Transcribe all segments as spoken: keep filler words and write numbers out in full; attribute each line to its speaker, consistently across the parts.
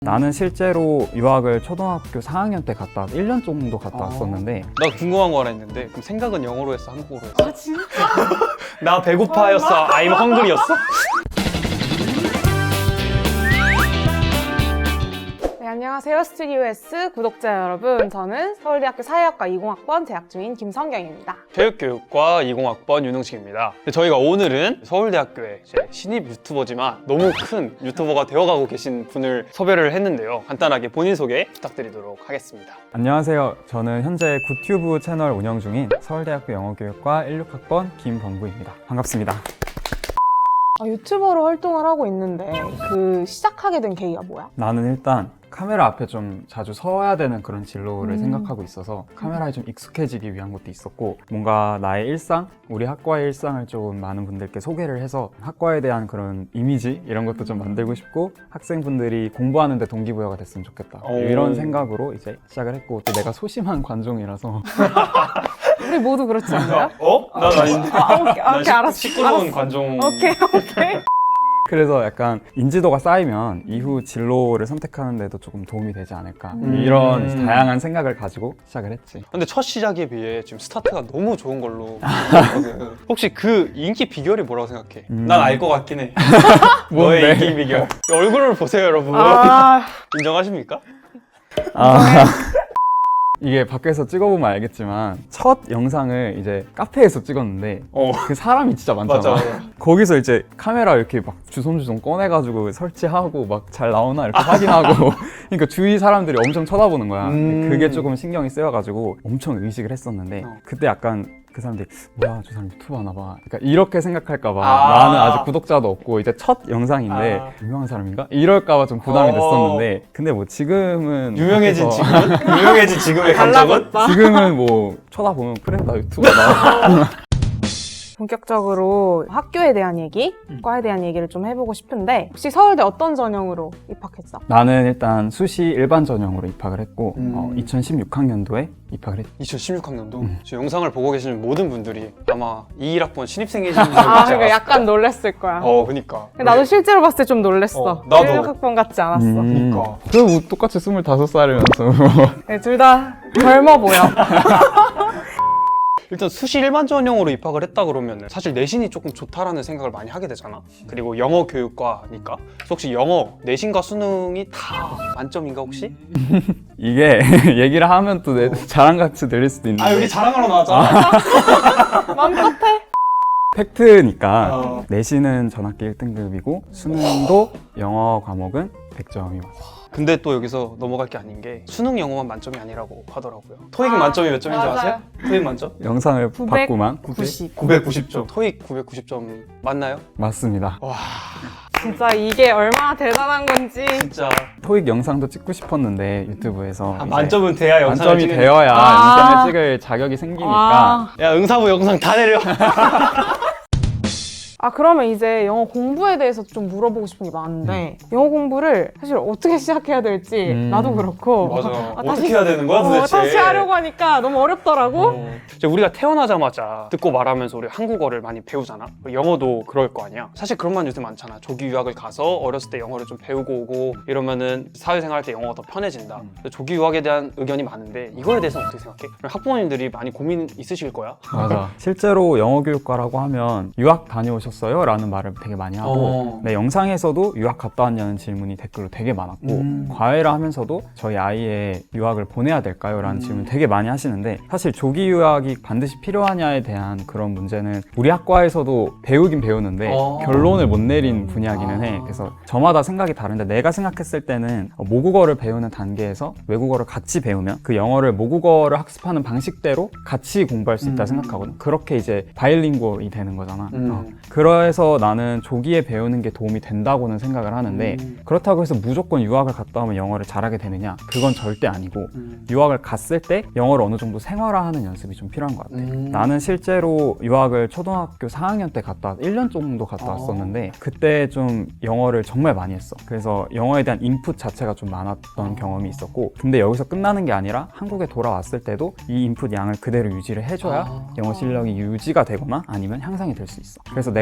Speaker 1: 나는 실제로 유학을 초등학교 사 학년 때 갔다 일 년 정도 갔다
Speaker 2: 아.
Speaker 1: 왔었는데
Speaker 2: 나 궁금한 거 하나 있는데 그럼 생각은 영어로 했어? 한국어로 했어?
Speaker 3: 아 진짜?
Speaker 2: 나 배고파였어? I'm hungry였어?
Speaker 3: 네, 안녕하세요 스튜디오 S 구독자 여러분, 저는 서울대학교 사회학과 이공학번 재학 중인 김성경입니다.
Speaker 2: 체육교육과 이공학번 윤흥식입니다. 저희가 오늘은 서울대학교의 이제 신입 유튜버지만 너무 큰 유튜버가 되어가고 계신 분을 섭외를 했는데요. 간단하게 본인 소개 부탁드리도록 하겠습니다.
Speaker 1: 안녕하세요. 저는 현재 구튜브 채널 운영 중인 서울대학교 영어교육과 십육 학번 김범구입니다. 반갑습니다.
Speaker 3: 아, 유튜버로 활동을 하고 있는데 그 시작하게 된 계기가 뭐야?
Speaker 1: 나는 일단 카메라 앞에 좀 자주 서야 되는 그런 진로를
Speaker 3: 음.
Speaker 1: 생각하고 있어서 카메라에 좀 익숙해지기 위한 것도 있었고, 뭔가 나의 일상, 우리 학과의 일상을 좀 많은 분들께 소개를 해서 학과에 대한 그런 이미지 이런 것도 좀 만들고 싶고, 학생분들이 공부하는데 동기부여가 됐으면 좋겠다
Speaker 2: 오.
Speaker 1: 이런 생각으로 이제 시작을 했고, 또 내가 소심한 관종이라서
Speaker 3: 우리 모두 그렇지 않나요?
Speaker 2: 어? 난 아닌데.
Speaker 3: 아, 오케이,
Speaker 2: 난
Speaker 3: 오케이, 알았어.
Speaker 2: 시끄러운
Speaker 3: 알았어.
Speaker 2: 관종.
Speaker 3: 오케이, 오케이.
Speaker 1: 그래서 약간 인지도가 쌓이면 이후 진로를 선택하는 데도 조금 도움이 되지 않을까,
Speaker 3: 음.
Speaker 1: 이런 다양한 생각을 가지고 시작을 했지.
Speaker 2: 근데 첫 시작에 비해 지금 스타트가 너무 좋은 걸로 생각하거든. 혹시 그 인기 비결이 뭐라고 생각해?
Speaker 1: 음.
Speaker 2: 난 알 것 같긴 해.
Speaker 1: 뭔데?
Speaker 2: 너의 인기 비결. 얼굴을 보세요, 여러분.
Speaker 3: 아,
Speaker 2: 인정하십니까?
Speaker 1: 아, 이게 밖에서 찍어보면 알겠지만 첫 영상을 이제 카페에서 찍었는데
Speaker 2: 어.
Speaker 1: 그 사람이 진짜 많잖아.
Speaker 2: 맞아.
Speaker 1: 거기서 이제 카메라 이렇게 막 주섬주섬 꺼내가지고 설치하고 막 잘 나오나 이렇게 확인하고 그러니까 주위 사람들이 엄청 쳐다보는 거야.
Speaker 2: 음.
Speaker 1: 그게 조금 신경이 쓰여가지고 엄청 의식을 했었는데,
Speaker 2: 어.
Speaker 1: 그때 약간 그 사람들이 뭐야 저 사람 유튜브 하나 봐, 그러니까 이렇게 생각할까봐
Speaker 2: 아.
Speaker 1: 나는 아직 구독자도 없고 이제 첫 영상인데
Speaker 2: 아.
Speaker 1: 유명한 사람인가? 이럴까봐 좀 부담이
Speaker 2: 어.
Speaker 1: 됐었는데, 근데 뭐 지금은
Speaker 2: 유명해진
Speaker 1: 밖에서
Speaker 2: 지금은? 유명해진 지금의 감정은?
Speaker 3: 달라졌다.
Speaker 1: 지금은 뭐 쳐다보면 그래 나 유튜버다.
Speaker 3: 본격적으로 학교에 대한 얘기, 과에 대한 얘기를 좀 해보고 싶은데, 혹시 서울대 어떤 전형으로 입학했어?
Speaker 1: 나는 일단 수시 일반 전형으로 입학을 했고,
Speaker 2: 음.
Speaker 1: 어, 이천십육 학년도에 입학을 했지.
Speaker 2: 이천십육 학년도
Speaker 1: 음.
Speaker 2: 지금 영상을 보고 계시는 모든 분들이 아마 이십일 학번 신입생이신 분들
Speaker 3: 아,
Speaker 2: 같지
Speaker 3: 그러니까
Speaker 2: 않았을까?
Speaker 3: 약간 놀랬을 거야.
Speaker 2: 어, 그니까.
Speaker 3: 나도 실제로 봤을 때 좀 놀랬어.
Speaker 2: 어, 나도.
Speaker 3: 십육 학번 같지 않았어.
Speaker 1: 음.
Speaker 2: 그러니까.
Speaker 1: 그리고 뭐 똑같이 스물다섯 살이면서
Speaker 3: 네, 둘 다 젊어 보여.
Speaker 2: 일단 수시 일반 전형으로 입학을 했다 그러면 사실 내신이 조금 좋다라는 생각을 많이 하게 되잖아. 그리고 영어 교육과니까. 그래서 혹시 영어 내신과 수능이 다 만점인가 혹시?
Speaker 1: 이게 얘기를 하면 또 내 자랑같이 들릴 수도 있는데,
Speaker 2: 아, 여기 자랑하러 나왔잖아.
Speaker 3: 마음 같아.
Speaker 1: 팩트니까
Speaker 2: 어.
Speaker 1: 내신은 전학기 일 등급이고 수능도 영어 과목은 백 점이 맞아.
Speaker 2: 근데 또 여기서 넘어갈 게 아닌 게 수능 영어만 만점이 아니라고 하더라고요. 토익
Speaker 3: 아,
Speaker 2: 만점이 몇 점인지
Speaker 3: 맞아요.
Speaker 2: 아세요? 토익 만점?
Speaker 1: 영상을 봤구만.
Speaker 3: 구십.
Speaker 2: 구백구십 점. 토익 구백구십 점 맞나요?
Speaker 1: 맞습니다.
Speaker 2: 와,
Speaker 3: 진짜 이게 얼마나 대단한 건지.
Speaker 2: 진짜.
Speaker 1: 토익 영상도 찍고 싶었는데 유튜브에서
Speaker 2: 아,
Speaker 1: 이제
Speaker 2: 만점은 돼야 영상을
Speaker 1: 만점이
Speaker 2: 찍으니까.
Speaker 1: 되어야
Speaker 3: 아.
Speaker 1: 영상을 찍을 자격이 생기니까.
Speaker 3: 아.
Speaker 2: 야, 응사부 영상 다 내려.
Speaker 3: 아, 그러면 이제 영어 공부에 대해서 좀 물어보고 싶은 게 많은데, 영어 공부를 사실 어떻게 시작해야 될지
Speaker 1: 음.
Speaker 3: 나도 그렇고.
Speaker 2: 맞아.
Speaker 3: 아,
Speaker 2: 어떻게 해야 되는 거야, 도대체?
Speaker 3: 어, 다시 하려고 하니까 너무 어렵더라고.
Speaker 2: 어. 이제 우리가 태어나자마자 듣고 말하면서 우리 한국어를 많이 배우잖아. 그리고 영어도 그럴 거 아니야. 사실 그런 말 요새 많잖아. 조기 유학을 가서 어렸을 때 영어를 좀 배우고 오고 이러면은 사회생활 할 때 영어가 더 편해진다. 근데 조기 유학에 대한 의견이 많은데 이거에 대해서는 어떻게 생각해? 학부모님들이 많이 고민 있으실 거야.
Speaker 1: 맞아. 실제로 영어교육과라고 하면 유학 다녀오셨어요? 라는 말을 되게 많이 하고,
Speaker 2: 어.
Speaker 1: 내 영상에서도 유학 갔다 왔냐는 질문이 댓글로 되게 많았고,
Speaker 2: 음.
Speaker 1: 과외를 하면서도 저희 아이의 유학을 보내야 될까요? 라는
Speaker 2: 음.
Speaker 1: 질문 되게 많이 하시는데, 사실 조기 유학이 반드시 필요하냐에 대한 그런 문제는 우리 학과에서도 배우긴 배우는데
Speaker 2: 어.
Speaker 1: 결론을 못 내린 분야기는 해.
Speaker 2: 아.
Speaker 1: 그래서 저마다 생각이 다른데, 내가 생각했을 때는 모국어를 배우는 단계에서 외국어를 같이 배우면 그 영어를 모국어를 학습하는 방식대로 같이 공부할 수 있다
Speaker 2: 음.
Speaker 1: 생각하거든. 그렇게 이제 바이링구얼이 되는 거잖아.
Speaker 2: 음.
Speaker 1: 어. 그래서 나는 조기에 배우는 게 도움이 된다고는 생각을 하는데,
Speaker 2: 음.
Speaker 1: 그렇다고 해서 무조건 유학을 갔다 오면 영어를 잘하게 되느냐? 그건 절대 아니고,
Speaker 2: 음.
Speaker 1: 유학을 갔을 때 영어를 어느 정도 생활화하는 연습이 좀 필요한 것 같아.
Speaker 2: 음.
Speaker 1: 나는 실제로 유학을 초등학교 사 학년 때 갔다 일 년 정도 갔다
Speaker 2: 어.
Speaker 1: 왔었는데, 그때 좀 영어를 정말 많이 했어. 그래서 영어에 대한 인풋 자체가 좀 많았던 경험이 있었고, 근데 여기서 끝나는 게 아니라 한국에 돌아왔을 때도 이 인풋 양을 그대로 유지를 해줘야
Speaker 2: 아.
Speaker 1: 영어 실력이 유지가 되거나 아니면 향상이 될 수 있어. 그래서 내가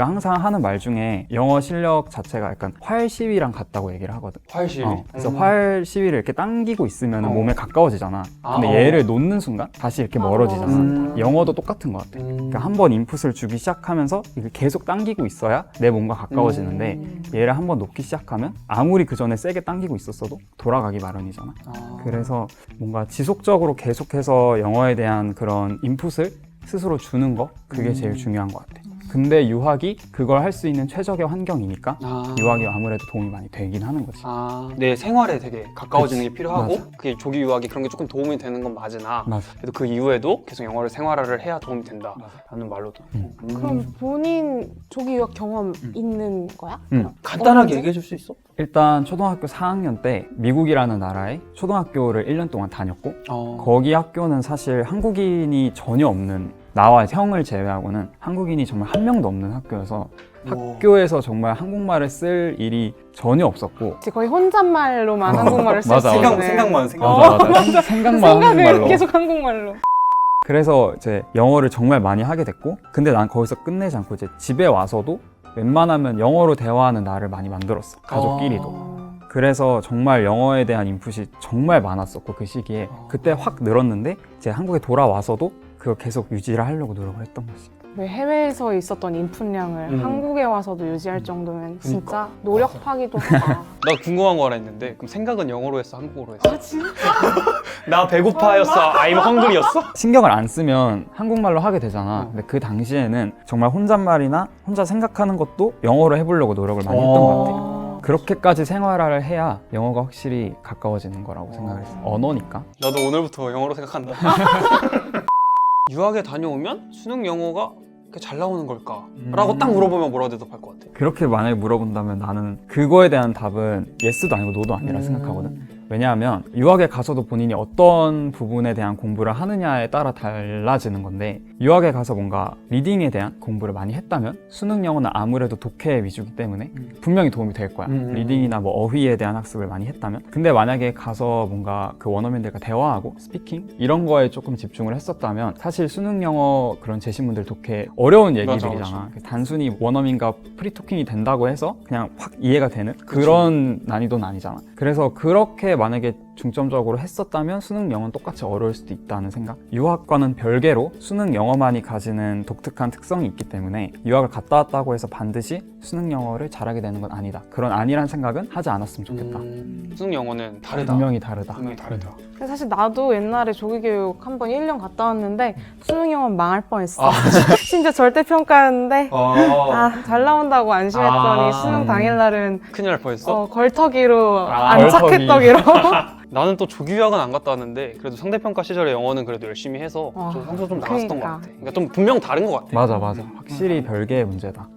Speaker 1: 내가 항상 하는 말 중에 영어 실력 자체가 약간 활시위랑 같다고 얘기를 하거든.
Speaker 2: 활시위.
Speaker 1: 어, 그래서
Speaker 2: 음.
Speaker 1: 활시위를 이렇게 당기고 있으면
Speaker 2: 어.
Speaker 1: 몸에 가까워지잖아. 근데
Speaker 2: 아,
Speaker 1: 얘를 놓는 순간 다시 이렇게
Speaker 3: 아,
Speaker 1: 멀어지잖아.
Speaker 2: 음.
Speaker 1: 영어도 똑같은 것 같아.
Speaker 2: 음.
Speaker 1: 그러니까 한 번 인풋을 주기 시작하면서 이걸 계속 당기고 있어야 내 몸과 가까워지는데
Speaker 3: 음.
Speaker 1: 얘를 한 번 놓기 시작하면 아무리 그 전에 세게 당기고 있었어도 돌아가기 마련이잖아.
Speaker 2: 아.
Speaker 1: 그래서 뭔가 지속적으로 계속해서 영어에 대한 그런 인풋을 스스로 주는 거 그게
Speaker 2: 음.
Speaker 1: 제일 중요한 것 같아. 근데 유학이 그걸 할 수 있는 최적의 환경이니까
Speaker 2: 아.
Speaker 1: 유학이 아무래도 도움이 많이 되긴 하는 거지.
Speaker 2: 아, 내 생활에 되게 가까워지는
Speaker 1: 그치.
Speaker 2: 게 필요하고
Speaker 1: 맞아.
Speaker 2: 그게 조기 유학이 그런 게 조금 도움이 되는 건 맞으나
Speaker 1: 맞아.
Speaker 2: 그래도 그 이후에도 계속 영어를 생활화를 해야 도움이 된다라는 말로도
Speaker 1: 음.
Speaker 3: 그럼 본인 조기 유학 경험
Speaker 1: 음.
Speaker 3: 있는 거야?
Speaker 1: 응.
Speaker 2: 간단하게
Speaker 3: 언제?
Speaker 2: 얘기해 줄 수 있어?
Speaker 1: 일단 초등학교 사 학년 때 미국이라는 나라에 초등학교를 일 년 동안 다녔고
Speaker 2: 어.
Speaker 1: 거기 학교는 사실 한국인이 전혀 없는 나와 형을 제외하고는 한국인이 정말 한 명도 없는 학교여서 학교에서 정말 한국말을 쓸 일이 전혀 없었고
Speaker 3: 그치, 거의 혼잣말로만
Speaker 1: 어,
Speaker 3: 한국말을 쓸
Speaker 1: 맞아,
Speaker 3: 수
Speaker 1: 맞아.
Speaker 3: 있는
Speaker 2: 생각만 생각.
Speaker 1: 맞아 맞아 생- 생각만
Speaker 3: 생각을
Speaker 1: 한국말로
Speaker 3: 계속 한국말로
Speaker 1: 그래서 이제 영어를 정말 많이 하게 됐고 근데 난 거기서 끝내지 않고 이제 집에 와서도 웬만하면 영어로 대화하는 나를 많이 만들었어 가족끼리도
Speaker 3: 어.
Speaker 1: 그래서 정말 영어에 대한 인풋이 정말 많았었고 그 시기에 그때 확 늘었는데 이제 한국에 돌아와서도 그걸 계속 유지를 하려고 노력을 했던 거지.
Speaker 3: 왜 해외에서 있었던 인풋량을
Speaker 2: 음.
Speaker 3: 한국에 와서도 유지할 정도면 진짜 노력하기도 하다.
Speaker 2: 나 궁금한 거 하나 있는데 그럼 생각은 영어로 했어 한국어로 했어?
Speaker 3: 아 진짜?
Speaker 2: 나 배고파였어. I'm hungry였어?
Speaker 1: 신경을 안 쓰면 한국말로 하게 되잖아.
Speaker 2: 어.
Speaker 1: 근데 그 당시에는 정말 혼잣말이나 혼자 생각하는 것도 영어로 해보려고 노력을 많이 했던 것 같아.
Speaker 3: 어.
Speaker 1: 그렇게까지 생활화를 해야 영어가 확실히 가까워지는 거라고 생각을 했어. 언어니까.
Speaker 2: 나도 오늘부터 영어로 생각한다. 유학에 다녀오면 수능 영어가 이렇게 잘 나오는 걸까? 라고
Speaker 1: 음.
Speaker 2: 딱 물어보면 뭐라고 대답할 것 같아?
Speaker 1: 그렇게 만약에 물어본다면 나는 그거에 대한 답은 예스도 아니고 노도 아니라 생각하거든. 왜냐하면 유학에 가서도 본인이 어떤 부분에 대한 공부를 하느냐에 따라 달라지는 건데 유학에 가서 뭔가 리딩에 대한 공부를 많이 했다면 수능 영어는 아무래도 독해 위주이기 때문에 분명히 도움이 될 거야.
Speaker 2: 음.
Speaker 1: 리딩이나 뭐 어휘에 대한 학습을 많이 했다면 근데 만약에 가서 뭔가 그 원어민들과 대화하고 스피킹 이런 거에 조금 집중을 했었다면 사실 수능 영어 그런 제시문들 독해 어려운
Speaker 2: 맞아,
Speaker 1: 얘기들이잖아. 단순히 원어민과 프리토킹이 된다고 해서 그냥 확 이해가 되는 그런 난이도는 아니잖아. 그래서 그렇게 만약에 중점적으로 했었다면 수능 영어는 똑같이 어려울 수도 있다는 생각. 유학과는 별개로 수능 영어만이 가지는 독특한 특성이 있기 때문에 유학을 갔다 왔다고 해서 반드시 수능 영어를 잘하게 되는 건 아니다. 그런 아니란 생각은 하지 않았으면 좋겠다.
Speaker 2: 음, 수능 영어는 다르다.
Speaker 1: 분명히 다르다.
Speaker 2: 분명히 다르다.
Speaker 3: 근데 사실 나도 옛날에 조기교육 한 번 일 년 갔다 왔는데 수능 영어 망할 뻔했어.
Speaker 2: 아,
Speaker 3: 심지어 절대평가였는데
Speaker 2: 어.
Speaker 3: 아, 잘 나온다고 안심했더니
Speaker 2: 아.
Speaker 3: 수능 당일날은
Speaker 2: 큰일 날 뻔했어?
Speaker 3: 어, 걸터기로
Speaker 2: 아,
Speaker 3: 안착했더기로.
Speaker 2: 나는 또 조기 유학은 안 갔다 왔는데 그래도 상대평가 시절에 영어는 그래도 열심히 해서
Speaker 3: 어,
Speaker 2: 좀 성적 좀 나왔었던
Speaker 3: 그러니까.
Speaker 2: 것 같아. 그러니까 좀 분명 다른 것 같아.
Speaker 1: 맞아 맞아. 확실히 별개의 문제다.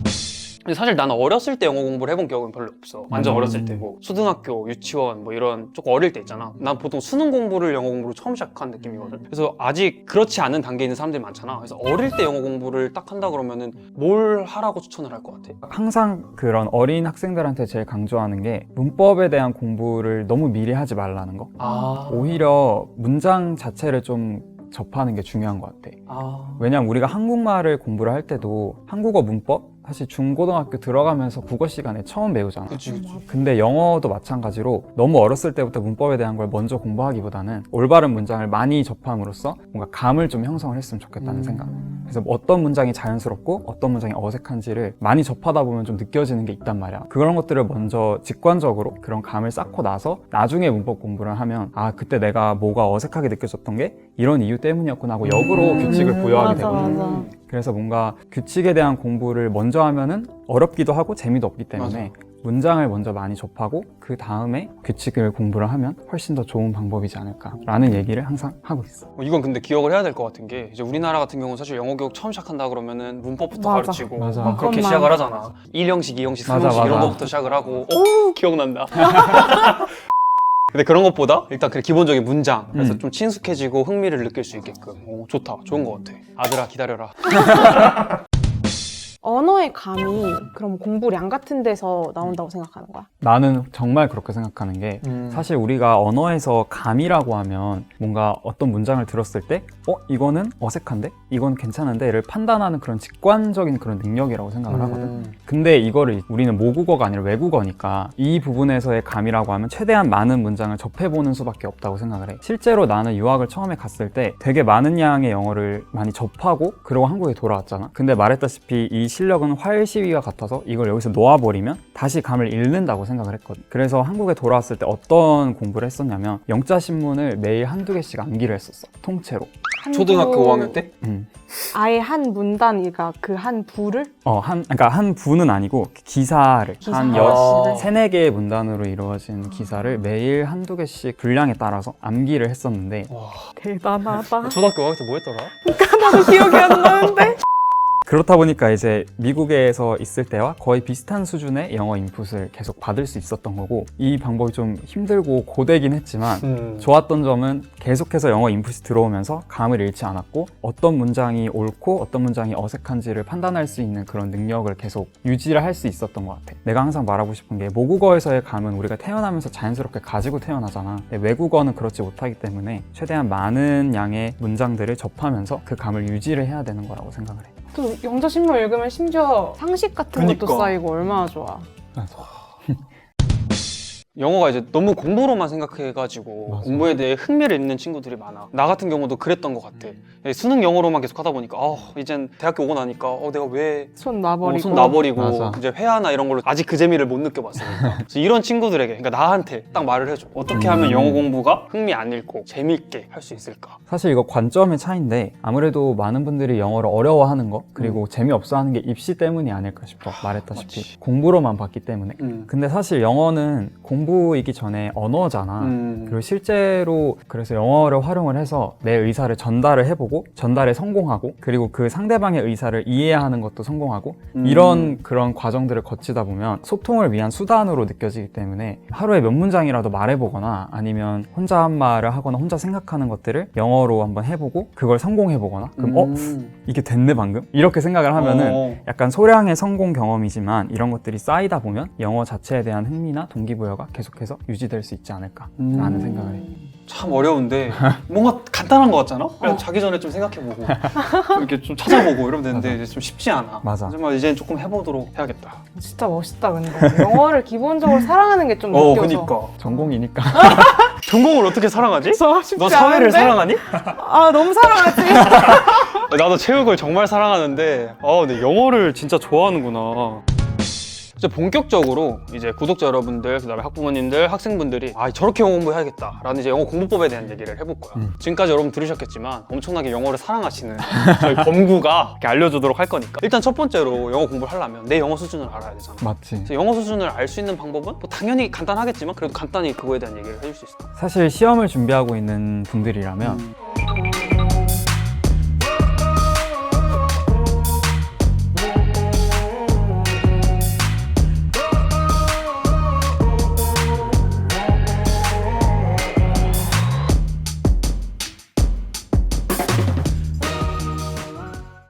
Speaker 2: 근데 사실 나는 어렸을 때 영어 공부를 해본 기억은 별로 없어. 완전
Speaker 1: 음.
Speaker 2: 어렸을 때고 초등학교, 유치원 뭐 이런 조금 어릴 때 있잖아. 난 보통 수능 공부를 영어 공부로 처음 시작한 느낌이거든. 그래서 아직 그렇지 않은 단계에 있는 사람들이 많잖아. 그래서 어릴 때 영어 공부를 딱 한다 그러면은 뭘 하라고 추천을 할 것 같아?
Speaker 1: 항상 그런 어린 학생들한테 제일 강조하는 게 문법에 대한 공부를 너무 미리 하지 말라는 거.
Speaker 2: 아,
Speaker 1: 오히려 문장 자체를 좀 접하는 게 중요한 것 같아.
Speaker 2: 아,
Speaker 1: 왜냐면 우리가 한국말을 공부를 할 때도 한국어 문법 사실 중고등학교 들어가면서 국어 시간에 처음 배우잖아.
Speaker 2: 그치, 그치.
Speaker 1: 근데 영어도 마찬가지로 너무 어렸을 때부터 문법에 대한 걸 먼저 공부하기보다는 올바른 문장을 많이 접함으로써 뭔가 감을 좀 형성을 했으면 좋겠다는
Speaker 2: 음.
Speaker 1: 생각. 그래서 뭐 어떤 문장이 자연스럽고 어떤 문장이 어색한지를 많이 접하다 보면 좀 느껴지는 게 있단 말이야. 그런 것들을 먼저 직관적으로 그런 감을 쌓고 나서 나중에 문법 공부를 하면 아 그때 내가 뭐가 어색하게 느껴졌던 게 이런 이유 때문이었구나 하고 역으로
Speaker 3: 음,
Speaker 1: 규칙을 부여하게
Speaker 3: 맞아,
Speaker 1: 되거든.
Speaker 3: 맞아.
Speaker 1: 그래서 뭔가 규칙에 대한 공부를 먼저 하면은 어렵기도 하고 재미도 없기 때문에 문장을 먼저 많이 접하고 그 다음에 규칙을 공부를 하면 훨씬 더 좋은 방법이지 않을까라는 얘기를 항상 하고 있어.
Speaker 2: 어, 이건 근데 기억을 해야 될 것 같은 게 이제 우리나라 같은 경우는 사실 영어 교육 처음 시작한다 그러면은 문법부터
Speaker 3: 맞아.
Speaker 2: 가르치고
Speaker 1: 맞아.
Speaker 2: 막 그렇게
Speaker 3: 문법만.
Speaker 2: 시작을 하잖아. 일 형식, 이 형식, 삼
Speaker 1: 맞아,
Speaker 2: 형식 이런
Speaker 1: 맞아.
Speaker 2: 거부터 시작을 하고 오 기억난다. 근데 그런 것보다 일단 그 기본적인 문장 그래서
Speaker 1: 음.
Speaker 2: 좀 친숙해지고 흥미를 느낄 수 있게끔 오, 좋다. 좋은 것 같아. 아들아 기다려라.
Speaker 3: 언어의 감이 그럼 공부량 같은 데서 나온다고 생각하는 거야?
Speaker 1: 나는 정말 그렇게 생각하는 게
Speaker 2: 음.
Speaker 1: 사실 우리가 언어에서 감이라고 하면 뭔가 어떤 문장을 들었을 때 어? 이거는 어색한데? 이건 괜찮은데?를 판단하는 그런 직관적인 그런 능력이라고 생각을 하거든.
Speaker 2: 음.
Speaker 1: 근데 이거를 우리는 모국어가 아니라 외국어니까 이 부분에서의 감이라고 하면 최대한 많은 문장을 접해보는 수밖에 없다고 생각을 해. 실제로 나는 유학을 처음에 갔을 때 되게 많은 양의 영어를 많이 접하고 그러고 한국에 돌아왔잖아. 근데 말했다시피 이 실력은 활시위와 같아서 이걸 여기서 놓아버리면 다시 감을 잃는다고 생각을 했거든. 그래서 한국에 돌아왔을 때 어떤 공부를 했었냐면 영자신문을 매일 한두 개씩 암기를 했었어. 통째로.
Speaker 3: 한두-
Speaker 2: 초등학교 오 학년 때?
Speaker 1: 음.
Speaker 3: 아예 한 문단이가 그 한 부를?
Speaker 1: 어, 한, 그러니까 한 부는 아니고 기사를
Speaker 3: 기사.
Speaker 1: 한
Speaker 2: 아.
Speaker 1: 여, 세네 개의 문단으로 이루어진 기사를 매일 한두 개씩 분량에 따라서 암기를 했었는데
Speaker 2: 와.
Speaker 3: 대단하다.
Speaker 2: 초등학교 오 학년 때 뭐 했더라?
Speaker 3: 나도 기억이 안 나는데?
Speaker 1: 그렇다 보니까 이제 미국에서 있을 때와 거의 비슷한 수준의 영어 인풋을 계속 받을 수 있었던 거고 이 방법이 좀 힘들고 고되긴 했지만
Speaker 2: 음.
Speaker 1: 좋았던 점은 계속해서 영어 인풋이 들어오면서 감을 잃지 않았고 어떤 문장이 옳고 어떤 문장이 어색한지를 판단할 수 있는 그런 능력을 계속 유지를 할 수 있었던 것 같아. 내가 항상 말하고 싶은 게 모국어에서의 감은 우리가 태어나면서 자연스럽게 가지고 태어나잖아. 근데 외국어는 그렇지 못하기 때문에 최대한 많은 양의 문장들을 접하면서 그 감을 유지를 해야 되는 거라고 생각을 해.
Speaker 3: 또 영자신문 읽으면 심지어 상식 같은
Speaker 2: 그니까.
Speaker 3: 것도 쌓이고 얼마나 좋아.
Speaker 2: 영어가 이제 너무 공부로만 생각해가지고
Speaker 1: 맞아.
Speaker 2: 공부에 대해 흥미를 잃는 친구들이 많아. 나 같은 경우도 그랬던 것 같아. 수능 영어로만 계속 하다 보니까 어, 이젠 대학교 오고 나니까 어, 내가 왜
Speaker 3: 손
Speaker 2: 어,
Speaker 3: 놔버리고.
Speaker 2: 손 놔버리고
Speaker 1: 맞아.
Speaker 2: 이제 회화나 이런 걸로 아직 그 재미를 못 느껴봤으니까. 그래서 이런 친구들에게, 그러니까 나한테 딱 말을 해줘. 어떻게 하면
Speaker 1: 음.
Speaker 2: 영어 공부가 흥미 안 잃고 재미있게 할 수 있을까?
Speaker 1: 사실 이거 관점의 차이인데 아무래도 많은 분들이 영어를 어려워하는 거 그리고 재미없어 하는 게 입시 때문이 아닐까 싶어. 말했다시피
Speaker 2: 맞지.
Speaker 1: 공부로만 봤기 때문에.
Speaker 2: 음.
Speaker 1: 근데 사실 영어는 공부이기 전에 언어잖아.
Speaker 2: 음.
Speaker 1: 그리고 실제로 그래서 영어를 활용을 해서 내 의사를 전달을 해보고 전달에 성공하고 그리고 그 상대방의 의사를 이해하는 것도 성공하고
Speaker 2: 음.
Speaker 1: 이런 그런 과정들을 거치다 보면 소통을 위한 수단으로 느껴지기 때문에 하루에 몇 문장이라도 말해보거나 아니면 혼자 한 말을 하거나 혼자 생각하는 것들을 영어로 한번 해보고 그걸 성공해보거나 그럼 어?
Speaker 2: 음.
Speaker 1: 이게 됐네 방금? 이렇게 생각을 하면은
Speaker 2: 어.
Speaker 1: 약간 소량의 성공 경험이지만 이런 것들이 쌓이다 보면 영어 자체에 대한 흥미나 동기부여가 계속해서 유지될 수 있지 않을까라는
Speaker 2: 음.
Speaker 1: 생각을 해.
Speaker 2: 참 어려운데 뭔가 간단한 것 같잖아? 그냥 자기 전에 좀 생각해보고 이렇게 좀 찾아보고 이러면 되는데 이제 좀 쉽지 않아.
Speaker 1: 맞아.
Speaker 2: 하지만 이제 조금 해보도록 해야겠다.
Speaker 3: 진짜 멋있다 근데. 영어를 기본적으로 사랑하는 게 좀
Speaker 2: 어,
Speaker 3: 느껴져.
Speaker 2: 그니까.
Speaker 1: 전공이니까.
Speaker 2: 전공을 어떻게 사랑하지?
Speaker 3: 저 쉽지
Speaker 2: 너 사회를
Speaker 3: 않은데?
Speaker 2: 사랑하니?
Speaker 3: 아 너무 사랑하지.
Speaker 2: 나도 체육을 정말 사랑하는데 아 근데 영어를 진짜 좋아하는구나. 이제 본격적으로 이제 구독자 여러분들, 그다음에 학부모님들, 학생분들이 아 저렇게 영어 공부해야겠다라는 이제 영어 공부법에 대한 얘기를 해볼 거야.
Speaker 1: 음.
Speaker 2: 지금까지 여러분 들으셨겠지만 엄청나게 영어를 사랑하시는 저희 범구가 이렇게 알려주도록 할 거니까 일단 첫 번째로 영어 공부를 하려면 내 영어 수준을 알아야 되잖아.
Speaker 1: 맞지.
Speaker 2: 그래서 영어 수준을 알 수 있는 방법은 뭐 당연히 간단하겠지만 그래도 간단히 그거에 대한 얘기를 해줄 수 있을까?
Speaker 1: 사실 시험을 준비하고 있는 분들이라면
Speaker 2: 음.